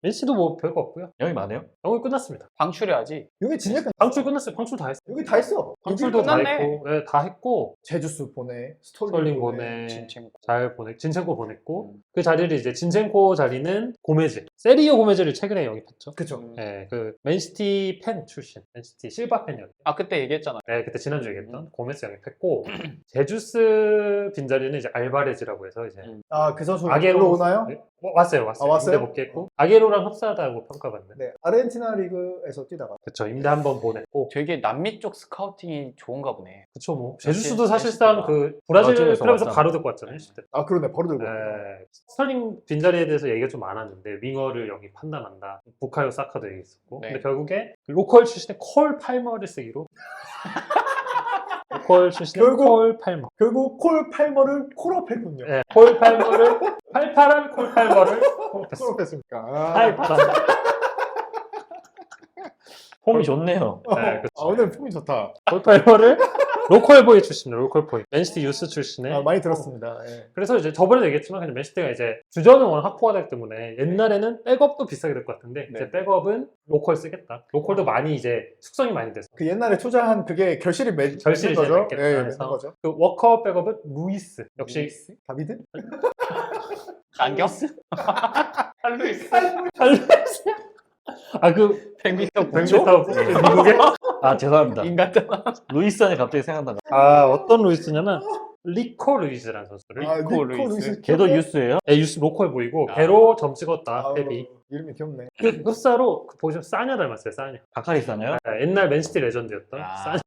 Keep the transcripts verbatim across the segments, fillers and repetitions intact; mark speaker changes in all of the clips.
Speaker 1: 맨시티도 뭐 별거 없고요.
Speaker 2: 영이 많아요?
Speaker 1: 영이 끝났습니다.
Speaker 3: 방출해야지.
Speaker 4: 여기 진짜
Speaker 1: 방출 끝났어요. 방출 다 했어요.
Speaker 4: 여기 다 했어.
Speaker 1: 방출도 다
Speaker 3: 끝났네.
Speaker 1: 했고, 네, 다 했고
Speaker 4: 제주스 보내, 스톨링,
Speaker 1: 스톨링
Speaker 4: 보내.
Speaker 1: 보내,
Speaker 3: 진첸코.
Speaker 1: 잘 보내, 진첸코 보냈고
Speaker 3: 음.
Speaker 1: 그 자리를 이제 진첸코 자리는 고메즈, 세리오 고메즈를 최근에 영입했죠.
Speaker 4: 그쵸.
Speaker 3: 음.
Speaker 1: 네, 그 맨시티 팬 출신, 맨시티 실바 팬이었죠.
Speaker 3: 아 그때 얘기했잖아.
Speaker 1: 네, 그때 지난주에 얘기했던
Speaker 3: 음.
Speaker 1: 고메즈 영입했고 제주스 빈자리는 이제 알바레즈라고 해서 이제
Speaker 3: 음.
Speaker 4: 아, 그 선수
Speaker 1: 아게로
Speaker 4: 로 오나요?
Speaker 1: 네? 어, 왔어요, 왔어요.
Speaker 4: 아, 왔어요?
Speaker 1: 임대 복귀했고 아게로랑 흡사하다고 평가받는.
Speaker 4: 네, 아르헨티나 리그에서 뛰다가.
Speaker 1: 그쵸, 임대 한 번 보냈고.
Speaker 3: 되게 남미 쪽 스카우팅이 좋은가 보네.
Speaker 1: 그쵸, 뭐
Speaker 3: 맨시티,
Speaker 1: 제주스도 사실상
Speaker 3: 맨시티가.
Speaker 1: 그 브라질
Speaker 2: 브라질에서
Speaker 1: 클럽에서
Speaker 2: 왔잖아.
Speaker 1: 바로 듣고 왔잖아요. 네.
Speaker 4: 아, 그러네. 바로 들고.
Speaker 1: 스털링 빈자리에 대해서 얘기가 좀 많았는데 윙어를 영입한다 만다 부카요 사카도 얘기했었고
Speaker 3: 네.
Speaker 1: 근데 결국에 그 로컬 출신의 콜 팔머를 쓰기로 로컬 출신의
Speaker 4: 결국-
Speaker 1: 콜 팔머.
Speaker 4: 결국 콜 팔머를 콜업했군요.
Speaker 1: 네, 콜 팔머를 팔팔한 콜 팔머를 콜업했어.
Speaker 4: 콜업했습니까? 아,
Speaker 1: 팔팔한.
Speaker 2: 폼이 좋네요.
Speaker 1: 네, 그쵸.
Speaker 4: 아, 오늘 폼이 좋다.
Speaker 1: 콜 팔머를 로컬 보이 출신으로 로컬 보이 맨시티 유스 출신의
Speaker 4: 아, 많이 들었습니다. 예.
Speaker 1: 그래서 이제 저번에도 얘기했지만 그냥 맨시티가 이제 주전은 워낙 확보가 되기 때문에 옛날에는 백업도 비싸게 될 것 같은데
Speaker 3: 네.
Speaker 1: 이제 백업은 로컬 쓰겠다. 로컬도 많이 이제 숙성이 많이 돼서
Speaker 4: 그 옛날에 투자한 그게 결실이 맺,
Speaker 1: 결실이
Speaker 4: 맺는
Speaker 1: 이제
Speaker 4: 거죠.
Speaker 1: 맺겠다.
Speaker 4: 예, 맺는
Speaker 1: 그래서
Speaker 4: 거죠.
Speaker 1: 그 워커 백업은 루이스 역시
Speaker 4: 다비드?
Speaker 3: 안경? 할루이스.
Speaker 1: 루이스 아그
Speaker 3: 백미터
Speaker 1: 백미터 미국에
Speaker 2: 아 죄송합니다.
Speaker 3: 인간잖아.
Speaker 2: 루이스 안에 갑자기 생각나가.
Speaker 1: 아 어떤 루이스냐면 리코 루이스라는 선수를
Speaker 4: 아,
Speaker 3: 리코
Speaker 4: 리코
Speaker 3: 루이스.
Speaker 4: 루이스.
Speaker 2: 걔도
Speaker 4: 기억나?
Speaker 2: 유스예요?
Speaker 1: 네, 유스 로컬 보이고
Speaker 3: 아.
Speaker 1: 걔로 점 찍었다
Speaker 4: 아우,
Speaker 1: 페비
Speaker 4: 이름이 귀엽네.
Speaker 1: 그 흡사로 그 보시면 싸냐 닮았어요 싸냐
Speaker 2: 바카리스나요?
Speaker 1: 아, 옛날 맨시티 레전드였던
Speaker 3: 아.
Speaker 1: 싸냐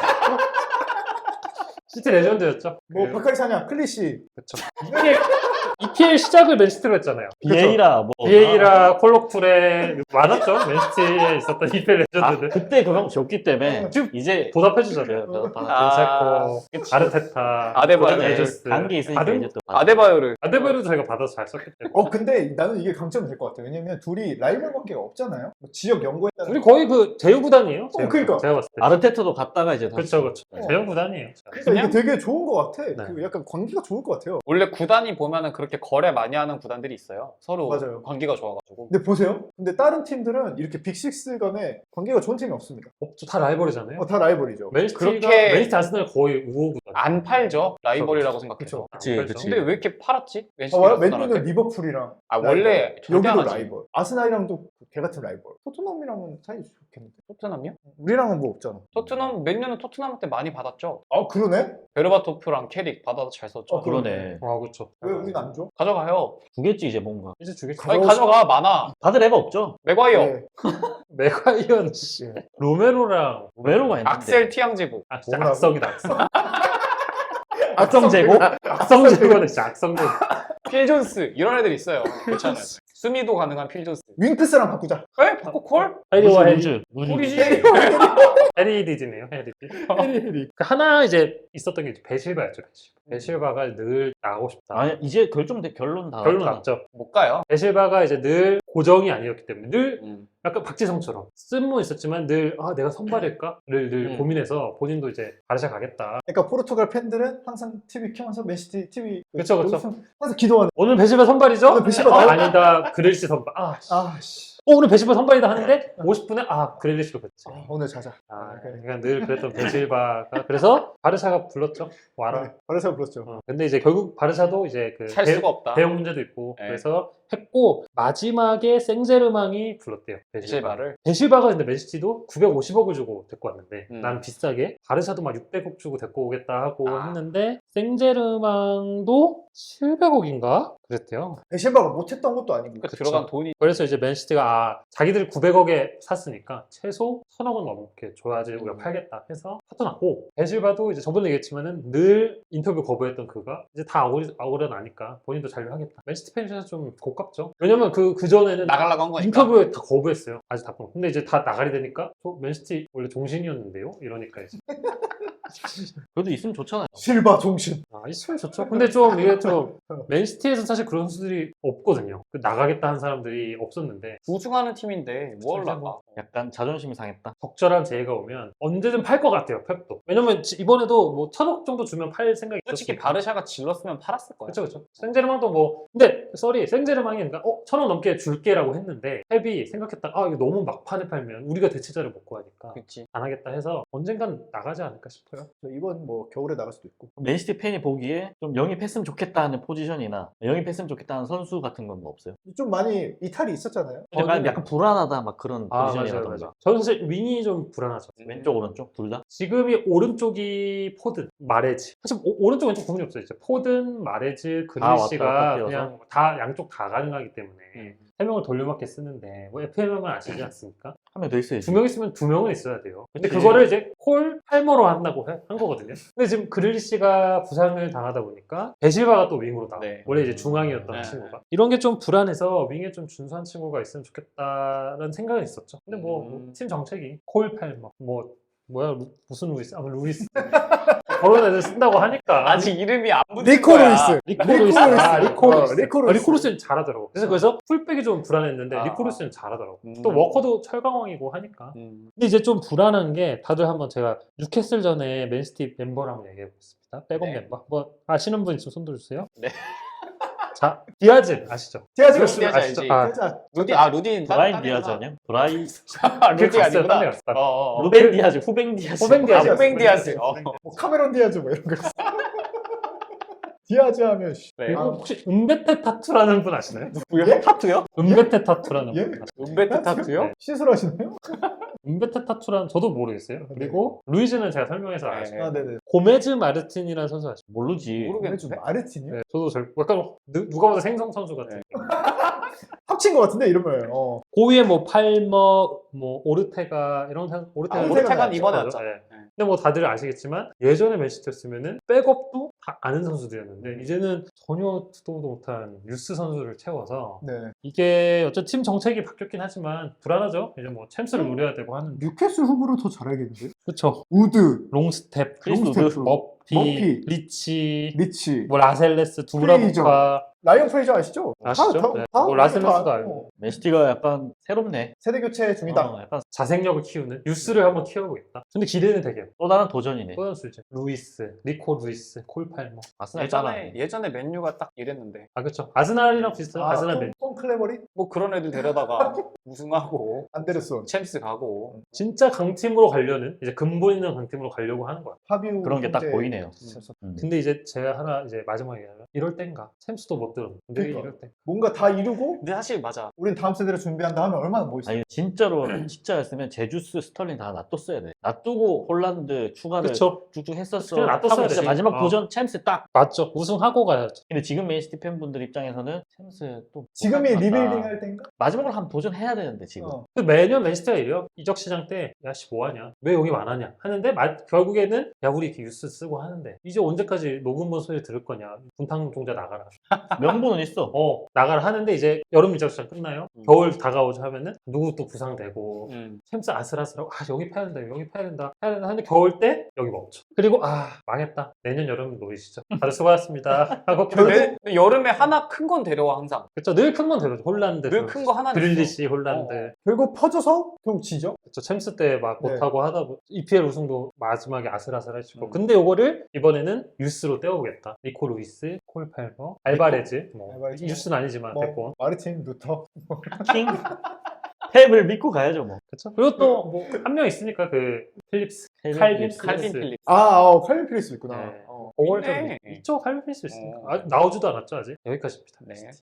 Speaker 1: 시티 레전드였죠.
Speaker 4: 뭐
Speaker 1: 그-
Speaker 4: 바카리 사냐, 클리시.
Speaker 1: 그쵸. 이피엘, 이피엘 시작을 맨시티로 했잖아요.
Speaker 2: 비에이라 뭐.
Speaker 1: 비에이라, 콜로쿨에 많았죠. 맨시티에 있었던 이피엘
Speaker 2: 아,
Speaker 1: 레전드들.
Speaker 2: 그때 그거 줬기 때문에
Speaker 1: 지금
Speaker 2: 이제
Speaker 1: 보답해주잖아요.
Speaker 2: 그- 그-
Speaker 3: 아,
Speaker 1: 빈체코, 아르테타,
Speaker 3: 아데바요.
Speaker 1: 고든 에저스.
Speaker 2: 관계 있으니까
Speaker 1: 다른-
Speaker 2: 이제 또
Speaker 3: 아데바요를.
Speaker 1: 아데바요도 저희가 받아서 잘 썼기 때문에.
Speaker 4: 어, 근데 나는 이게 강점이 될 것 같아. 왜냐면 둘이 라이벌 관계가 없잖아요. 뭐 지역 연고했다는.
Speaker 1: 우리 거의 그 제휴 구단이에요. 제휴
Speaker 4: 그러니까.
Speaker 1: 구단. 제가 봤을 때.
Speaker 2: 아르테타도 갔다가 이제 다시
Speaker 1: 그렇죠, 그렇죠.
Speaker 4: 어.
Speaker 1: 제휴 구단이에요.
Speaker 4: 그러니까
Speaker 3: 그냥-
Speaker 4: 이게 되게 좋은 것 같아.
Speaker 1: 네.
Speaker 4: 그 약간 관계가 좋을 것 같아요.
Speaker 3: 원래 구단이 보면은 그렇게 거래 많이 하는 구단들이 있어요. 서로
Speaker 4: 맞아요.
Speaker 3: 관계가 좋아가지고.
Speaker 4: 근데 보세요. 근데 다른 팀들은 이렇게 빅식스 간에 관계가 좋은 팀이 없습니다.
Speaker 1: 없죠. 다 라이벌이잖아요.
Speaker 4: 어, 다 라이벌이죠.
Speaker 1: 맨시티가
Speaker 3: 그렇게-
Speaker 1: 맨시티 아스날 거의 우호 구단.
Speaker 3: 안 팔죠. 라이벌이라고
Speaker 4: 그쵸.
Speaker 3: 생각해서.
Speaker 2: 그치,
Speaker 1: 그렇죠.
Speaker 2: 그치.
Speaker 3: 근데 왜 이렇게 팔았지?
Speaker 4: 아,
Speaker 3: 맨시티
Speaker 4: 와-
Speaker 3: 아스날한테?
Speaker 4: 맨유는 리버풀이랑
Speaker 3: 아 원래 절대 안
Speaker 4: 여기도
Speaker 3: 하지.
Speaker 4: 라이벌. 아스날이랑도 개 같은 라이벌. 토트넘이랑은 사이 좋겠는데.
Speaker 3: 토트넘이요?
Speaker 4: 우리랑은 뭐 없잖아.
Speaker 3: 토트넘 맨유는 토트넘 때 많이 받았죠.
Speaker 4: 아, 그러네?
Speaker 3: 베르바토프랑 캐릭 받아서 잘 썼죠.
Speaker 4: 어,
Speaker 2: 그러네.
Speaker 1: 아, 그렇죠.
Speaker 4: 왜 우린 안 줘?
Speaker 3: 가져가요.
Speaker 2: 주겠지 이제 뭔가.
Speaker 1: 이제 주겠지.
Speaker 4: 가-
Speaker 3: 아니
Speaker 4: 가져오시-
Speaker 3: 가져가 많아.
Speaker 2: 받을 애가 없죠.
Speaker 3: 맥과이어,
Speaker 4: 네.
Speaker 1: 메가이언 씨,
Speaker 4: 예.
Speaker 1: 로메로랑
Speaker 2: 외로가 있는데.
Speaker 3: 악셀 티앙제국,
Speaker 1: 아 진짜
Speaker 4: 뭐라고?
Speaker 1: 악성이다 악성.
Speaker 2: 악성 제고?
Speaker 1: 악성 제거는 진짜 악성 제거.
Speaker 3: 필 존스 이런 애들 있어요. 괜찮아요. 수미도 가능한 필 존스.
Speaker 4: 윙크스랑 바꾸자.
Speaker 3: 에? 바꿔 콜?
Speaker 1: 해리와 해리.
Speaker 2: 우즈 우즈.
Speaker 3: 콜이지.
Speaker 1: 해리 디즈네요. 해리 디.
Speaker 4: 헤리.
Speaker 1: 그 하나 이제 있었던 게 이제 베실바였죠. 베실바. 베실바가 늘 나가고 싶다.
Speaker 2: 아 이제 결정 결론 다
Speaker 1: 결론
Speaker 2: 났잖아.
Speaker 1: 났죠.
Speaker 3: 못 가요.
Speaker 1: 베실바가 이제 늘 고정이 아니었기 때문에 늘
Speaker 3: 음.
Speaker 1: 약간 박지성처럼 쓴모 있었지만 늘 아 내가 선발일까를 늘
Speaker 3: 음.
Speaker 1: 고민해서 본인도 이제 바르샤 가겠다.
Speaker 4: 그러니까 포르투갈 팬들은 항상 티비 켜면서 맨시티 티비
Speaker 1: 그쵸, 그쵸.
Speaker 4: 항상 기도하는.
Speaker 1: 오늘 베실바 선발이죠?
Speaker 4: 오늘 베실바
Speaker 1: 아,
Speaker 4: 나와?
Speaker 1: 아니다. 그릴시 선발. 아, 씨.
Speaker 4: 아, 씨.
Speaker 1: 어, 오늘 베실바 선발이다 하는데 오십 분에 아 그릴리시로 뺐지.
Speaker 4: 아, 오늘 자자.
Speaker 1: 아,
Speaker 4: 그래.
Speaker 1: 그러니까 늘 그랬던 베실바가 그래서 바르샤가 불렀죠. 와라.
Speaker 4: 네, 바르샤 불렀죠.
Speaker 1: 어, 근데 이제 결국 바르샤도 이제 그
Speaker 3: 살
Speaker 1: 대-
Speaker 3: 수가 없다.
Speaker 1: 대형 문제도 있고
Speaker 3: 네.
Speaker 1: 그래서 했고 마지막에 생제르망이 불렀대요. 베실바.
Speaker 3: 베실바를.
Speaker 1: 베실바가 근데 맨시티도 구백오십억을 주고 데리고 왔는데
Speaker 3: 음.
Speaker 1: 난 비싸게 바르샤도 막 육백억 주고 데리고 오겠다 하고
Speaker 3: 아.
Speaker 1: 했는데 생제르망도 칠백억인가 그랬대요.
Speaker 4: 베실바가 못했던 것도 아니고.
Speaker 3: 그
Speaker 1: 그쵸.
Speaker 3: 들어간 돈이
Speaker 1: 그래서 이제 맨시티가 아 자기들 구백억에 샀으니까 최소 천억은 넘게 줘야지 우리가
Speaker 3: 음.
Speaker 1: 팔겠다 해서 사줘놨고 베실바도 이제 저번에 얘기했지만은 늘 인터뷰 거부했던 그가 이제 다 아우리, 아우려 나니까 본인도 잔류하겠다. 맨시티 팬에서 좀 고깝죠. 왜냐면 그, 그 전에는
Speaker 3: 나가려고 한 거니까.
Speaker 1: 인터뷰에 다 거부했어요. 아직 다 거부. 근데 이제 다 나가리 되니까 저 맨시티 원래 종신이었는데요? 이러니까 이제
Speaker 2: 그래도 있으면 좋잖아요.
Speaker 4: 실바 종신.
Speaker 1: 아, 있으면 좋죠. 근데 좀 이게 좀 맨시티에서 사실 그런 선수들이 없거든요. 그 나가겠다 한 사람들이 없었는데
Speaker 3: 우승하는 팀인데 뭘
Speaker 1: 진짜
Speaker 3: 나가?
Speaker 1: 뭐.
Speaker 2: 약간 자존심이 상했다.
Speaker 1: 적절한 재해가 오면 언제든 팔 것 같아요. 펩도. 왜냐면 지- 이번에도 뭐 천억 정도 주면 팔 생각이
Speaker 3: 솔직히
Speaker 1: 있었으니까.
Speaker 3: 바르샤가 질렀으면 팔았을 거야.
Speaker 1: 그쵸 그쵸. 생제르맹도 뭐 근데 쏘리 생제르맹이 그러니까 어 천억 넘게 줄게라고 했는데 펩이 생각했다가 아 이거 너무 막판에 팔면 우리가 대체자를 못 구하니까
Speaker 3: 그렇지.
Speaker 1: 안 하겠다 해서 언젠간 나가지 않을까 싶어요.
Speaker 4: 이번 뭐 겨울에 나갈 수도 있고.
Speaker 2: 맨시티 팬이 보기에 좀 영입했으면 좋겠다 하는 포지션이나 영입했으면 좋겠다 하는 선수 같은 건 뭐 없어요?
Speaker 4: 좀 많이 이탈이 있었잖아요.
Speaker 2: 약간, 약간 불안하다 막 그런
Speaker 1: 아 맞아요
Speaker 2: 포지션이라던가.
Speaker 1: 맞아요. 저는 사실 윙이 좀 불안하죠.
Speaker 2: 왼쪽 오른쪽 둘 다?
Speaker 1: 지금이 오른쪽이 포든, 마레즈. 사실 오, 른쪽 왼쪽 구분이 없어요. 이제 포든, 마레즈,
Speaker 2: 다 왔다
Speaker 1: 그릴시가
Speaker 2: 갔다 뛰어서?
Speaker 1: 그냥 다 양쪽 다 가능하기 때문에
Speaker 3: 음.
Speaker 1: 세 명을 돌려막게 쓰는데 뭐 에프엠은 아시지 않습니까?
Speaker 2: 한 명 더 있어야지.
Speaker 1: 두 명 있으면 두 명은 있어야 돼요. 근데
Speaker 2: 그치.
Speaker 1: 그거를 이제 콜 팔머로 한다고 해- 한 거거든요. 근데 지금 그릴리시가 부상을 당하다 보니까 베실바가 또 윙으로 나와.
Speaker 3: 네.
Speaker 1: 원래 이제 중앙이었던
Speaker 3: 네.
Speaker 1: 친구가. 이런 게 좀 불안해서 윙에 좀 준수한 친구가 있으면 좋겠다라는 생각은 있었죠. 근데 뭐
Speaker 3: 음.
Speaker 1: 팀 정책이 콜 팔머 뭐 뭐야 루- 무슨 루이스? 아마 루이스 그런 애들 쓴다고 하니까
Speaker 3: 아직 이름이 안 붙은
Speaker 4: 리코
Speaker 3: 거야.
Speaker 4: 루이스.
Speaker 1: 리코
Speaker 4: 리코
Speaker 1: 루이스
Speaker 4: 루이스.
Speaker 1: 아 리코
Speaker 4: 어,
Speaker 1: 루이스
Speaker 4: 리코
Speaker 1: 아,
Speaker 4: 루이스.
Speaker 1: 리코 루이스는 잘하더라고. 그래서 그래서 풀백이 좀 불안했는데
Speaker 3: 아.
Speaker 1: 리코 루이스는 잘하더라고.
Speaker 3: 음.
Speaker 1: 또 워커도 철강왕이고 하니까.
Speaker 3: 음.
Speaker 1: 근데 이제 좀 불안한 게 다들 한번 제가 뉴캐슬 전에 맨시티 멤버를 한번 얘기해 보겠습니다. 백업
Speaker 3: 네.
Speaker 1: 멤버. 뭐 아시는 분 있으면 손 들어주세요.
Speaker 3: 네.
Speaker 1: 자 디아즈 아시죠?
Speaker 4: 제가 지금
Speaker 3: 디아즈 알지.
Speaker 1: 아,
Speaker 4: 자,
Speaker 3: 루디 아 루디
Speaker 2: 브라인 디아즈 아니야? 브라이
Speaker 3: 루디
Speaker 1: 갔어요.
Speaker 3: 아니구나.
Speaker 1: 딴데 갔어. 딴 데.
Speaker 3: 어, 어, 어.
Speaker 2: 루벤 디아즈, 후벤 디아즈.
Speaker 1: 후벤 디아즈.
Speaker 3: 아, 후뱅 디아즈. 어.
Speaker 4: 뭐 카메론 디아즈 뭐 이런 거 있어. 디아즈 하면 씨.
Speaker 3: 네.
Speaker 1: 그리고
Speaker 4: 아,
Speaker 1: 혹시 은베테 타투라는 분 아시나요?
Speaker 3: 예? 타투요?
Speaker 1: 은베테 타투라는
Speaker 4: 예?
Speaker 1: 분 아시나요?
Speaker 3: 은베트 타투요?
Speaker 1: 네.
Speaker 4: 시술하시나요?
Speaker 1: 은베테 타투라는 저도 모르겠어요. 그리고 루이즈는 제가 설명해서
Speaker 3: 네.
Speaker 1: 아시죠?
Speaker 4: 아, 네네.
Speaker 1: 고메즈 마르틴이라는 선수 아시죠?
Speaker 2: 모르지.
Speaker 3: 모르겠는데.
Speaker 4: 좀 마르틴이요?
Speaker 1: 네, 저도 잘 약간 누, 누가 봐도 생성 선수 같은.
Speaker 3: 네.
Speaker 4: 합친 것 같은데 이름을. 어.
Speaker 1: 고위에 뭐 팔머, 뭐 오르테가 이런 선 오르테가
Speaker 4: 아,
Speaker 3: 오르테가는
Speaker 4: 나왔죠.
Speaker 3: 이번에
Speaker 1: 맞아.
Speaker 3: 왔죠.
Speaker 1: 네.
Speaker 3: 네.
Speaker 1: 근데 뭐 다들 아시겠지만 예전에 맨시티였으면은 백업도 다 아는 선수들이었는데 이제는 전혀 듣도 못한 유스 선수를 채워서
Speaker 4: 네.
Speaker 1: 이게 어쨌든 팀 정책이 바뀌었긴 하지만 불안하죠. 이제 뭐 챔스를 노려야 되고 하는데.
Speaker 4: 뉴캐슬 후보를 더 잘하겠는데?
Speaker 1: 그렇죠.
Speaker 4: 우드,
Speaker 1: 롱스텝,
Speaker 2: 크리스
Speaker 4: 롱스테프,
Speaker 2: 우드.
Speaker 1: 머피,
Speaker 4: 머피,
Speaker 1: 리치,
Speaker 4: 리치,
Speaker 1: 뭐 라셀레스,
Speaker 4: 프레이저.
Speaker 1: 두브라보카
Speaker 4: 라이언 프레이저 아시죠?
Speaker 1: 아시죠?
Speaker 4: 다, 다,
Speaker 1: 네.
Speaker 4: 다,
Speaker 1: 뭐 라셀레스도
Speaker 4: 다,
Speaker 1: 알고.
Speaker 4: 어.
Speaker 2: 맨시티가 약간 새롭네.
Speaker 4: 세대 교체 중이다.
Speaker 2: 어, 약간
Speaker 1: 자생력을 키우는 유스를 한번 키워보겠다. 근데 기대는 되게
Speaker 2: 또 다른 도전이네.
Speaker 1: 또 선수 이제 루이스, 리코 루이스, 콜 팔머.
Speaker 2: 아스날
Speaker 3: 예전에
Speaker 2: 따라하네.
Speaker 3: 예전에 맨유가 딱 이랬는데
Speaker 1: 아 그렇죠. 아스날이랑 비슷해요.
Speaker 4: 아,
Speaker 1: 아스날
Speaker 4: 톰,
Speaker 1: 맨.
Speaker 4: 톰 클레버리?
Speaker 3: 뭐 그런 애들 데려다가 우승하고
Speaker 4: 안데르손,
Speaker 3: 챔스 가고
Speaker 1: 진짜 강팀으로 가려는 이제 근본 있는 강팀으로 가려고 하는 거야.
Speaker 4: 파비우
Speaker 2: 그런 게 딱
Speaker 4: 형제.
Speaker 2: 보이네요.
Speaker 4: 진짜
Speaker 2: 음.
Speaker 1: 근데 이제 제가 하나 이제 마지막에 얘기하면 이럴 땐가 챔스도 못 들었는데
Speaker 4: 그러니까.
Speaker 1: 이럴 땐
Speaker 4: 뭔가 다 이루고
Speaker 3: 근데 사실 맞아.
Speaker 4: 우린 다음 세대를 준비한다 하면 얼마나 멋있어.
Speaker 2: 아니 진짜로 진짜였으면 제주스, 스털링 다 놔뒀어야 돼. 놔두고 홀란드 추가를
Speaker 1: 그쵸.
Speaker 2: 쭉쭉 했었어.
Speaker 1: 그냥 놔뒀어야
Speaker 2: 하고 진짜
Speaker 1: 되지.
Speaker 2: 마지막
Speaker 1: 어.
Speaker 2: 도전 챔스 딱.
Speaker 1: 맞죠. 우승하고 가야죠.
Speaker 2: 근데 지금 맨시티 팬분들 입장에서는 챔스 또
Speaker 4: 지금이
Speaker 2: 못할 것 같다.
Speaker 4: 리빌딩 할 때인가?
Speaker 2: 마지막으로 한번 도전해야 되는데 지금.
Speaker 4: 어.
Speaker 1: 그 매년 맨시티가 이래요. 이적 시장 때 야씨 뭐하냐 왜 영입 안 하냐 하는데 마- 결국에는 야 우리 이렇게 뉴스 쓰고 하는데 이제 언제까지 녹음본 소리 들을 거냐 분탕 종자 나가라
Speaker 2: 명분은 있어.
Speaker 1: 어 나가라 하는데 이제 여름 이적 시장 끝나요.
Speaker 3: 음.
Speaker 1: 겨울 다가오자 하면은 누구 또 부상되고
Speaker 3: 음.
Speaker 1: 챔스 아슬아슬하고 아 영입해야 된다 영입해야 된다 해야 된다 하는데 겨울 때 영입 없죠. 그리고 아 망했다 내년 여름 노리시죠. 다들 수고하셨습니다 하고
Speaker 3: 근데 내- 여름에 하나 큰 건 데려와 항상.
Speaker 1: 그쵸 늘 큰 건 데려죠. 홀란드
Speaker 3: 늘 큰 거 하나
Speaker 1: 그릴리시 홀란드
Speaker 3: 어.
Speaker 4: 결국 퍼져서 결국 지죠.
Speaker 1: 그쵸, 챔스 때 막
Speaker 4: 네.
Speaker 1: 못하고 하다 보 이피엘 우승도 마지막에 아슬아슬하시고
Speaker 3: 음.
Speaker 1: 근데 요거를 이번에는 유스로 떼어보겠다. 니코 루이스, 콜 팔머, 알바레즈 뭐
Speaker 4: 알바레즈.
Speaker 1: 유스는 아니지만
Speaker 4: 뭐
Speaker 1: 데리고
Speaker 4: 마르틴, 루터.
Speaker 2: 킹. 탭을 믿고 가야죠 뭐.
Speaker 1: 그쵸? 그리고 또 뭐 한 명 있으니까 그 필립스 칼빈
Speaker 2: 필립스.
Speaker 1: 필립스.
Speaker 3: 칼빈 필립.
Speaker 4: 아, 어, 칼빈 필리스 있구나.
Speaker 1: 네.
Speaker 4: 어.
Speaker 1: 그걸 좀
Speaker 3: 있네.
Speaker 1: 있죠. 칼빈 필립스 있으니까
Speaker 3: 어.
Speaker 1: 아, 나오지도 않았죠 아직. 여기까지입니다.
Speaker 3: 네.